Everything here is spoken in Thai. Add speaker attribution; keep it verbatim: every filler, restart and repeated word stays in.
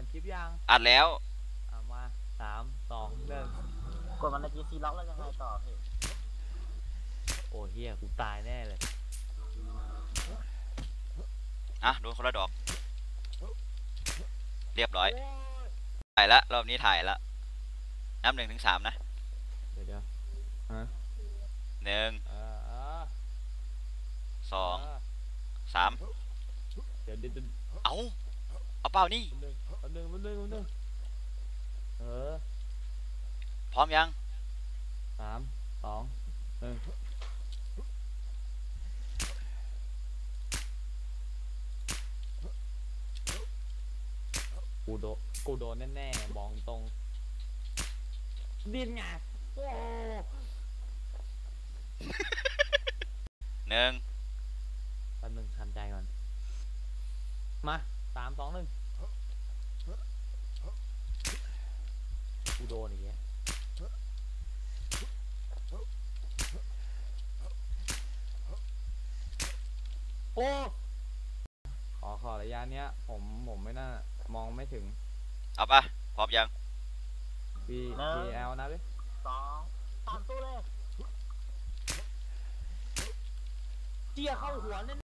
Speaker 1: ดคลิปยัง
Speaker 2: อัดแล้ว
Speaker 1: เอามาสามสองหนึ่ง
Speaker 3: กดมันในจีซีล็อกแล้วยังไงต่อพี่
Speaker 1: โอ้เฮียกูตายแน่เลย
Speaker 2: อ่ะโดนคนละดอกเรียบร้อยถ่ายละรอบนี้ถ่ายละนับหนึ่งถึงสามนะ
Speaker 1: เดี๋ยวเดี๋ยวฮะ
Speaker 2: หนึ่งสองสาม
Speaker 1: เดี๋ยวเดี๋ยว
Speaker 2: เอาเอาเปล่านี่
Speaker 1: หนึ่งหนึ่งหนึ่งหนึ่งเออ
Speaker 2: พร้อมยัง
Speaker 1: สามสองหนึ่งกูโดนกูโดนแน่ๆมองตรงดิ้นไง
Speaker 2: หนึ่ง
Speaker 1: แป๊บนึงทำใจก่อนมาสามสองหนึ่งกูโดนอีกแล้วโอ้ขอขอระยะเนี้ยผมผมไม่น่ามองไม่ถึง
Speaker 2: เอาปะพร้อมยัง
Speaker 1: B B L นะพี่
Speaker 3: สองสามตู้เลย
Speaker 1: เจียเข้าหัวเล่น